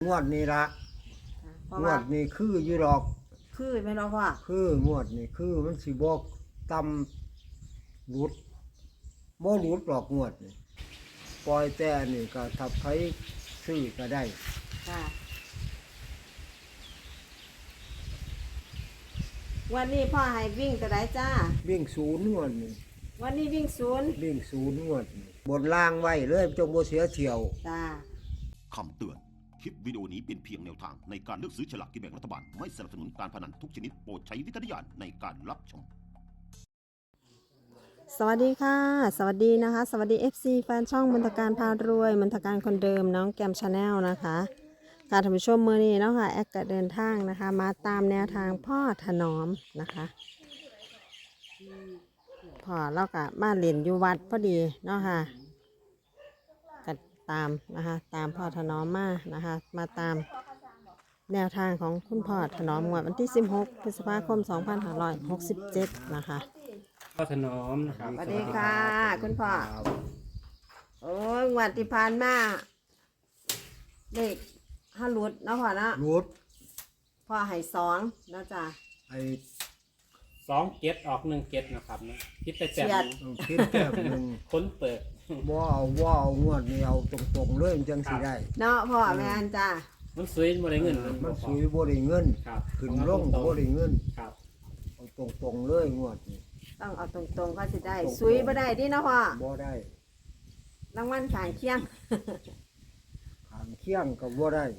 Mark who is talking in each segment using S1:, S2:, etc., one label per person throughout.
S1: งวดนี้ละงวดนี้คืออยู่หรอก
S2: คือไม่รอพ่อ
S1: คืองวดนี้คือมันสิบอกตำหลุดบ่หลุดหรอกงวดนี่ปล่อยแต่นี่ก็ถ้าใครซื้อก็ได้
S2: ค่ะวันนี้พ่อให้วิ่งตัวไหนจ้า
S1: วิ่งศูนย์งวดนี่
S2: วันนี้วิ่งศูนย์
S1: งวดนี่บนล่างไว้เลยจงบ่เสียเที่ยว
S2: จ้า
S3: คำเตือนคลิปวิดีโอนี้เป็นเพียงแนวทางในการเลือกซื้อฉลากกินแบ่งรัฐบาลไม่สนับสนุนการพนันทุกชนิดโปรดใช้วิจารณญาณในการรับชม
S2: สวัสดีค่ะสวัสดีนะคะสวัสดี FC แฟนช่องมนทการพารวยมนทการคนเดิมน้องแกมชาแนลนะคะการท่านผู้ชมมือนี้เนาะค่ะแอคก็เดินทางนะคะมาตามแนวทางพ่อถนอมนะคะพ่อเราก็มาเรียนอยู่วัดพอดีเนาะค่ะก็ตามนะคะตามพ่อถนอมมานะคะมาตามแนวทางของคุณพ่อถนอมงวดวันที่16 พฤษภาคม 2567นะคะ
S4: พ่อถนอมนะครับ
S2: สวัสดีค่ะคุณพ่อโอ้ยงวดที่ผ่านมาเด็กห้ารุดเนาะพ่อเนาะ
S1: รุด
S2: พ่อให้2นะจ๊ะ
S1: ไอ้
S4: 2-7ออก1-7นะครับนะคิดไปแบบ
S1: คิดแบบนึง
S4: ค้นเปิด
S1: บ่เอางวดนี้เอาตรงๆเลยจังสิได้
S2: เนาะพ่อแม่นจ้ะ
S4: มันสวยบ่ได้เงิน
S1: มันสวยบ่ได้เงินขึ้นลงบ่ได้เงิน
S4: ครับ
S1: เอาตรงๆเลยงวดนี้
S2: ต้องเอาตรงๆก็สิได้ซุยบ่ได้ดิเนาะพ่อ
S1: บ่ได้
S2: รางวัลข้างเคียง
S1: ข้างเคียงก็บ่ได้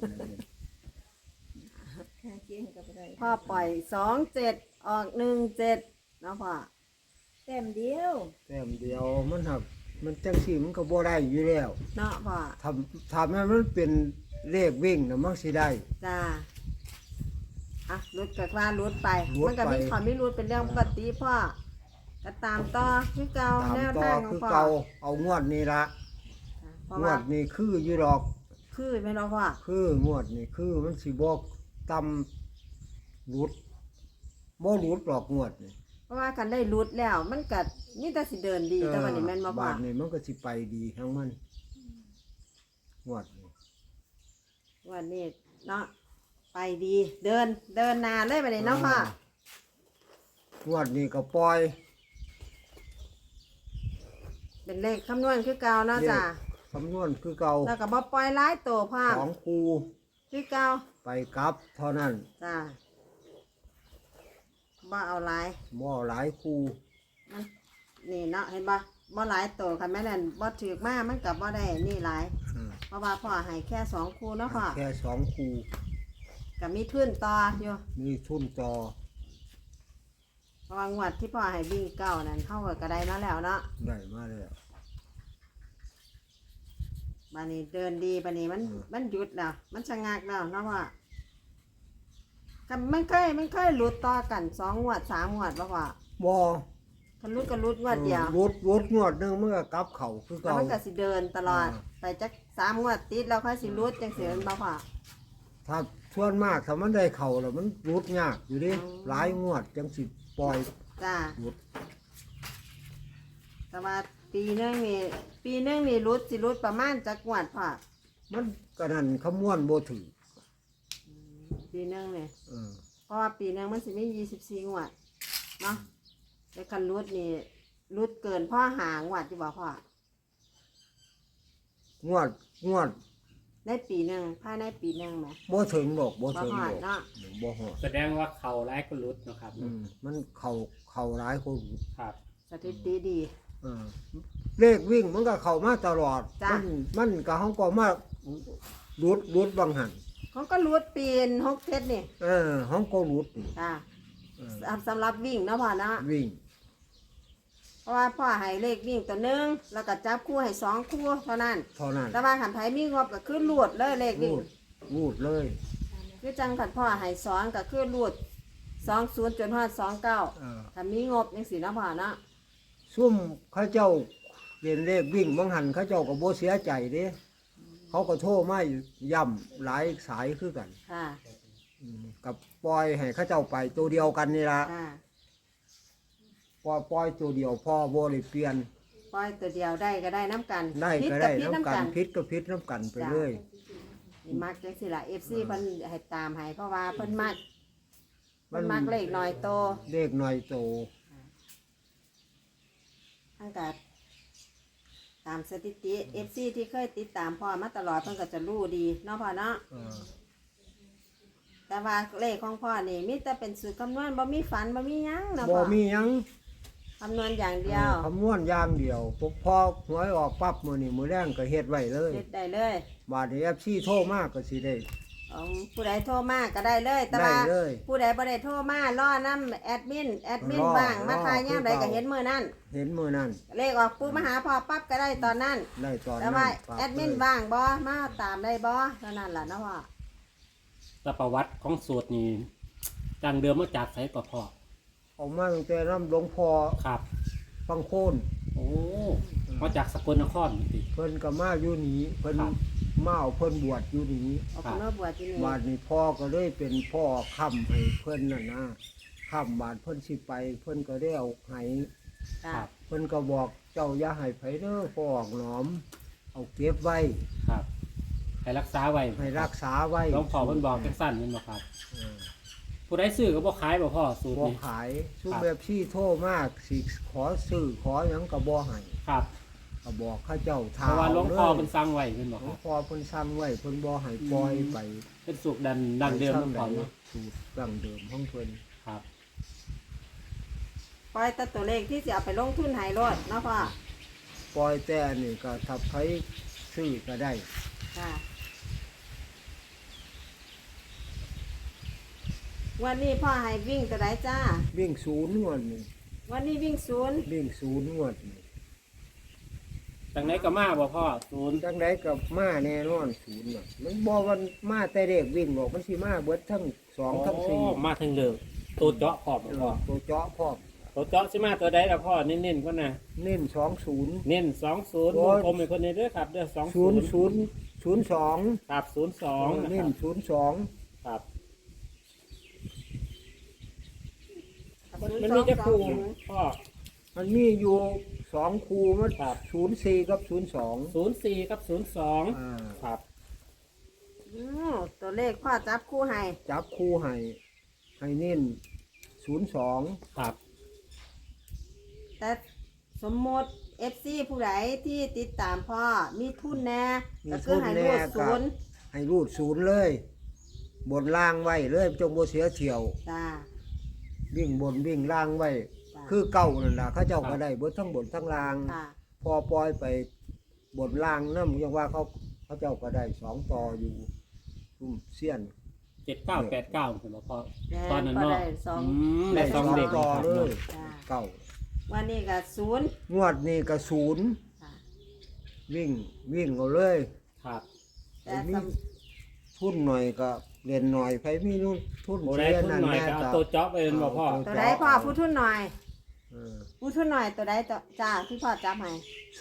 S2: พ่อปล่อย27ออก17เนาะพ่อแต้มเดียว
S1: มันหักมันจังสิมันก็บ่ได้อยู่แล้ว
S2: เนาะพ่อ
S1: ทำให้มันเป็นเลขวิ่งน่ะมันสิได้
S2: จ้าอ่ะรุดก็ว่ารุดไปมันก็มีความไม่รุดเป็นเรื่องปกติพ่อก็ตามต่อคือเก่าแนวทางของพ่อ
S1: เอางวดนี้ละงวดนี้คืออยู่หรอก
S2: คือไม่รอพ่อ
S1: คืองวดนี้คือมันสิบอกตำหลุดบ่หลุดหรอกงวดนี้
S2: เพราะว่ากันได้รุดแล้วมันก็นี่แต่สิเดินดีแต่วันนี้แม่นบ่พ่อ
S1: บ้านนี้มันก็สิไปดีทั้งมันงวดนี้
S2: วันนี้เนาะไปดีเดินหน้าเลยบัดนี้เนาะพ่อง
S1: วดนี้ก็ปล่อย
S2: เป็นเลขคำนวณคือเก่าเนาะจ้ะ
S1: คำนวณคือเก่า
S2: แล้วก็บ่ปล่อยหลายตัวพ่อ
S1: 2คู่
S2: คือเก่า
S1: ไปกลับเท่านั้น
S2: จ้ะบ่เอาหลาย
S1: คู่
S2: นี่เนาะเห็นบ่หลายตัวคันแม่นั่นบ่ถูกมามันก็บ่ได้นี่หลายเพราะว่าพ่อให้แค่2คู่เนาะพ่อ
S1: แค่2คู่
S2: ก็มีทุนต่ออยู่
S1: มีทุนต่อ
S2: เพราะว่างวดที่พ่อให้วิ่งเก้านั่นเข้าก็ได้มาแล้วเนาะ
S1: ได้มาแล้ว
S2: บัดนี้เดินดีบัดนี้มันหยุดแล้วมันชะงักแล้วเนาะพ่อก็มันเคยหลุดต่อกัน2 งวด 3 งวดบ่พ่อ
S1: บ่
S2: คันหลุดก็หลุดงวดเดียว
S1: หลุดงวดนึงมันก็กลับเข้าคือเก่า
S2: แล้วมันก็สิเดินตลอดไปจัก3 งวดติดแล้วค่อยสิหลุดจังซี่บ่พ่อ
S1: ถ้าส่วนมากถ้ามันได้เข่าแล้วมันรุดยากอยู่ดิหลายงวดจังสิปล่อย
S2: จ้า
S1: รุด
S2: แต่ว่าปีนึงนี่รุดประมาณจักงวดพ่อ
S1: มันก็นั่นคำนวณบ่ถือ
S2: ปีนึงนี่เพราะว่าปีนึงมันสิมี24 งวดเนาะแต่คันรุดนี่รุดเกินพ่อหางวดที่บ่พ่อ
S1: งวด
S2: ในปีนึงภายในปีนึงไหม
S1: บ่ถึงหรอกบ่ถึงหรอก
S2: เนาะ
S1: บ่ฮอด
S4: แสดงว่าเข่าร้ายก็รุดนะครับ
S1: มันเข่าร้ายคน
S4: ครับ
S2: สถิติดี
S1: เลขวิ่งมันก็เข้ามาตลอดมันก็เฮาก็มารุดบางหัน
S2: เขาก็รุดปีน67นี่
S1: เฮาก็รุด
S2: จ้าสำหรับวิ่งเนาะพ่อเนาะ
S1: วิ่ง
S2: เพราะว่าพ่อให้เลขวิ่งตัวนึงแล้วก็จับคู่ให้2 คู่เท่านั้นแต่ว่าขันไผมีงบก็คือรูดเลยเลขวิ่ง
S1: รูดเลย
S2: คือจังขันพ่อให้2ก็คือรูด20จนฮอด29ถ้ามีงบจังซี่เนาะพ่อเนาะ
S1: ซุ่มเขาเจ้าเรียนเลขวิ่งบางหันเขาเจ้าก็บ่เสียใจเด้เขาก็โทรมาย่ำหลายสายคือกัน
S2: ค่ะ
S1: กับปล่อยให้เขาเจ้าไปตัวเดียวกันนี่ล่ะปล่อยตัวเดียวพ่อโบเลยเปลี่ยน
S2: ปล่อยตัวเดียวได้ก็ได้น้ำกัน
S1: ได้ก็ได้น้ำกันพิษก็พิษน้ำกันไปเรื่อย
S2: นี่มักจังสิล่ะ FC เพิ่นให้ตามให้เพราะว่าเพิ่นมักเลขน้อยโต
S1: เลขหน่อยโต
S2: ทั้งกัตามสถิติ FC ที่เคยติดตามพ่อมาตลอดเพิ่นก็จะรู้ดีเนาะพ่อเนาะ
S1: เออ
S2: แต่ว่าเลขของพ่อนี่มีแต่เป็นสูตรคำนวณบ่มีฝันบ่มีหยังเนาะ
S1: บ่
S2: พ่อ
S1: มีหยัง
S2: คำนวณอย่างเดียว
S1: คำนวณอย่างเดียวพอหวยออกปั๊บมื้อนี้มื้อแรงก็เฮ็ดไว้เลย
S2: เฮ็ดได้เลย
S1: บาดนี้ FC โทรมาก็สิได้
S2: ของผู้ใดโทรมาก็ได้เลยแต่
S1: ได้
S2: ว่า
S1: เลย
S2: ผู้ใดบ่ได้โทรมารอนํแอดมิน
S1: รอ
S2: ว่างมาร
S1: อ
S2: ทายยามใด
S1: คือ
S2: ก็
S1: เก่า
S2: เห็นมื้อนั้น
S1: เห็นมื้อนั้น
S2: เลขออกปุ๊บมาหาพ่อปั๊บก็ได้ตอนนั้น
S1: ได้ตอน
S2: แต่
S1: นั้น
S2: ว่า
S1: ปั๊บ
S2: แอดมิน
S1: เลย
S2: ว่างบ่มาตามได้บ่เท่านั้นล่ะเนาะพ่อ
S4: แต่ประวัติของสูตรนี้ดังเดิมมาจากไสก็พ่อ
S1: ออกมาตั้งแต่น้ำหลวงพ่อ
S4: ครับ
S1: ฟังโคน
S4: โอ้มาจากสกลนครสิ
S1: เพิ่นก็มาอยู่นี่เพิ่น
S4: ครับ
S1: มาเอาเพิ่นบวชอยู่นี่
S2: เอาคุณว่าบวชที่นี่
S1: บาดนี้พ่อก็เลยเป็นพ่อค้ำให้เพิ่นน่ะนะค้ำบาดเพิ่นสิไป เพิ่นก็ได้เอาให้
S2: ค่ะ
S4: ครับ
S1: เพิ่นก็บอกเจ้าอย่าให้ไผเด้อพ่อออกหนอม เอาเก็บไว้
S4: ครับให้รักษาไว้
S1: ให้รักษาไว้
S4: หลวงพ่อเพิ่นบอกจังซั่นแม่นบ่ครับ
S1: เออ
S4: ผู้ใดซื้อก็บ่ขายบ่พ่อสูตร
S1: บ่
S4: นี้
S1: ขายซุ
S4: ครับ
S1: แบบที่โทรมากสิขอซื้อขอหยังก็บ่ให้
S4: ครับ
S1: ก็บอกเขาเจ้า
S4: เพ
S1: ทา
S4: ราะว่าหลวงพ่อ
S1: เลย
S4: เพิ่นสั่งไว้แม่นบ่
S1: หล
S4: คว รั
S1: ง
S4: บ
S1: พ่อเพิ่นสั่งไว้เพิ่นบ่ให้ปล่อยไป
S4: เป็นสูตรดังเดิม
S1: ไป
S4: เมื่อก่อน
S1: ใด
S4: เนาะ
S1: สูตรดั้งเดิมของเพิ่น
S4: ครับ
S2: ปล่อยแต่ตัวเลขที่จะเอาไปลงทุนให้รถเนาะพ่อ
S1: ปล่อยแต่อันนี่ก็ถ้าไผซื้อก็ได้
S2: ค่ะวันนี้พ่อให้วิ่งตัวใดจ้า
S1: วิ่งศูนย์งวดนี่
S2: วันนี้วิ่งศูนย์
S1: วิ่งศูนย์งวดนี่
S4: จังไหนก็มาบ่พ่อศูนย์
S1: จังไดก็มาแน่นอนศูนย์น่ะมันบ่มันมาแต่เด็กวิ่งหรอกมันสิมาเบิดทั้งสองทั้งสี่
S4: โอ้มาถึงเดิมตัวเจาะขอบบ่พ่อ
S1: ตัวเจาะพร้อม
S4: ตัวเจาะสิมาตัวใดล่ะพ่อเน้นๆก็นะ
S1: เน้น20
S4: เน้น20
S1: โอ้
S4: วย งกลมให้คนนี้เด้อครับเด้อ
S1: 02
S4: ครับ02นะ
S1: เน้
S4: คน รับ
S1: 02
S4: ครับ มันมีจะคู่พ่อ
S1: มันมีอยู่2คู่มัน
S4: ครับ
S1: 04กับ02
S4: 04กับ02
S1: อ่า
S4: ครับ
S2: ตัวเลขพ่อจับคู่ให้
S1: จับคู่ให้เน้น02
S4: ครับ
S2: แต่สมมติ FC ผู้ใดที่ติดตามพ่อมีทุนแน่ก็คือให้รูดศูนย์
S1: ให้รูดศูนย์เลย บนล่างไว้เลยจงบ่เสียเที่ยว
S2: จ้า
S1: วิ่งบนวิ่งล่างไว้
S2: จ้า
S1: คือเก่านั่นล่ะเขาเจ้าก็ได้เบิดทั้งบนทั้งล่าง
S2: ค่ะ
S1: พอปล่อยไปบนล่างนำยังว่าเขาเจ้าก็ได้2ต่ออยู่ซุ่มเสี้ยน
S4: 7989เห็นบ่พ่อ
S2: แม่
S4: ตอนนั้นเนาะ
S2: ก็ได้สอง
S4: ได้
S1: ได้
S4: สอง
S1: 2
S4: เด็ก
S1: ต่อ
S4: ครับ
S1: เลย
S2: จ้า
S1: เก่า
S2: วันนี้ก็ศูนย์
S1: งวดนี้ก็ศูนย์
S2: ค่ะ
S1: วิ่งเอาเลย
S4: ครับ
S2: แต่สำ
S1: ทุนหน่อยก็เรียนหน่อยไผมีนู่นทุน
S4: บ่ได้ทุนหน่อยก็เอาตัวเจาะไปเป็นบ่พ่อ
S2: ตัวใดพ่อผู้ทุนหน่อย
S1: เออ
S2: ผู้ทุนหน่อยตัวใดจ้าที่พ่อจับให้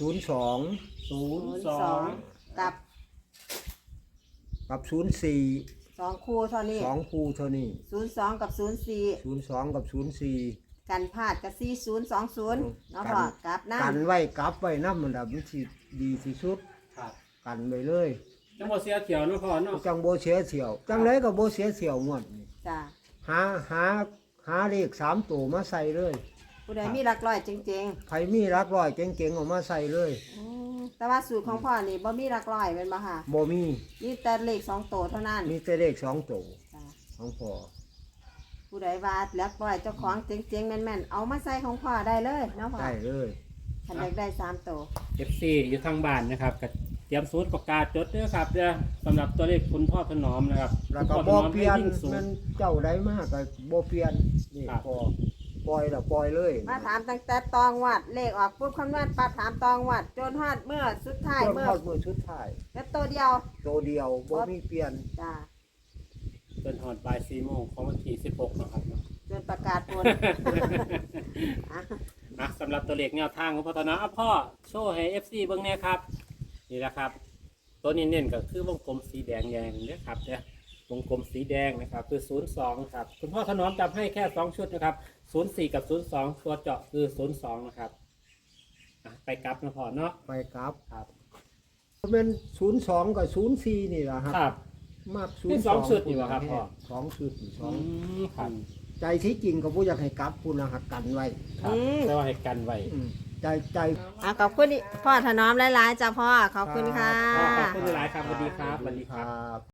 S1: 02
S4: 02
S2: กับ
S1: กับ04
S2: 2คู่เท่านี้
S1: 2คู่เท่านี้
S2: 02กับ04
S1: 02กับ04
S2: กันพลาดกับ4020เนาะพ่อกลับน้
S1: กันไว้กลับไว้นำมันน่ะมันสิดีที่สุด
S4: ครับ
S1: กันไว้เลย
S4: จังบ่เสียเที่ยวเนาะพ่อเนาะ
S1: จังบ่เสียเที่ยวจังไดก็บ่เสียเที่ยวงวดนี้
S2: จ้า
S1: หาเลข3ตัวมาใส่เลย
S2: ผู้ใดมีหลักร้อยจริง
S1: ไผมีหลักร้อยเก่งๆออกมาใส่เลย
S2: ๆแต่ว่าสูตรของพ่อนี่บ่มีหลักร้อยเป็นบ่ค่ะ
S1: บ่มี
S2: มีแต่เลข2ตัวเท่านั้น
S1: มีแต่เลข2ตัว
S2: จ้า
S1: ของพ่อ
S2: ผู้ใดว่าหลักร้อยเจ้าของเจ๋งๆแม่นๆเอามาใส่ของพ่อได้เลยเนาะพ่อ
S1: ได้เลย
S2: คันอยากได้3ตัว
S4: FC อยู่ทางบ้านนะครับก็เตรียมสูตรประกาศจดเด้อครับเด้อสำหรับตัวเลขคุณพ่อถนอมนะครับ
S1: แล้วก็
S4: คุณ
S1: บ่
S4: พ่อถอม
S1: เปลี่ยน
S4: ให้วิ่งสู
S1: มั
S4: ง
S1: นเจ้าใดมาก็บ่เปลี่ยนนี่
S4: ครับ
S1: พอปล่อยแล้วปล่อยเลย
S2: มาถามตั้งแต่ตองวัดเลขออกปุ๊บคำนวณปัดถามตองวัดจนฮอดเมื่อสุดท้าย
S1: จน
S2: เมื่อ
S1: ฮอดมือสุดท้าย
S2: แล้วตัวเดียว
S1: ตัวเดียวบ่มีเปลี่ยน
S2: จ้า
S4: เป็นหอดบ่าย4โมงของวันที่16นะครับเนาะ
S2: จนประกาศผล อ่ะ
S4: อ่ะสำหรับตัวเลขแนวทางของพ่อถนอมอ่ะพ่อโชว์ให้ FC เบิ่งแน่ครับนี่แหละครับ ตัวนี้เน้นก็คือวงกลมสีแดงแดงนะครับเนี่ยวงกลมสีแดงนะครับคือ02ครับคุณพ่อถนอมจับให้แค่2ชุดนะครับ04กับ02ตัวเจาะคือ02นะครับอ่ะไปกลับนะพ่อเนาะ
S1: ไปครับ
S4: ครับ
S1: เป็น02กับ04นี่ล่ะค
S4: ครั
S1: รับมาก
S4: นี่สองชุดนี่บ่ครับพ่อ
S1: สองชุดนี่สอง
S4: ครับ
S1: ใจที่จริงก็บ่อยากให้กลับคุณหักกันไว้
S4: ครับแต่ว่าให้กันไว้
S1: อืมใจ
S2: ขอบคุณพ่อถนอมหลายๆจ้าพ่อขอบคุณค่ะ
S4: ขอบคุณหลายครับสวัสดีครับสวัสดีครับ
S1: ครับ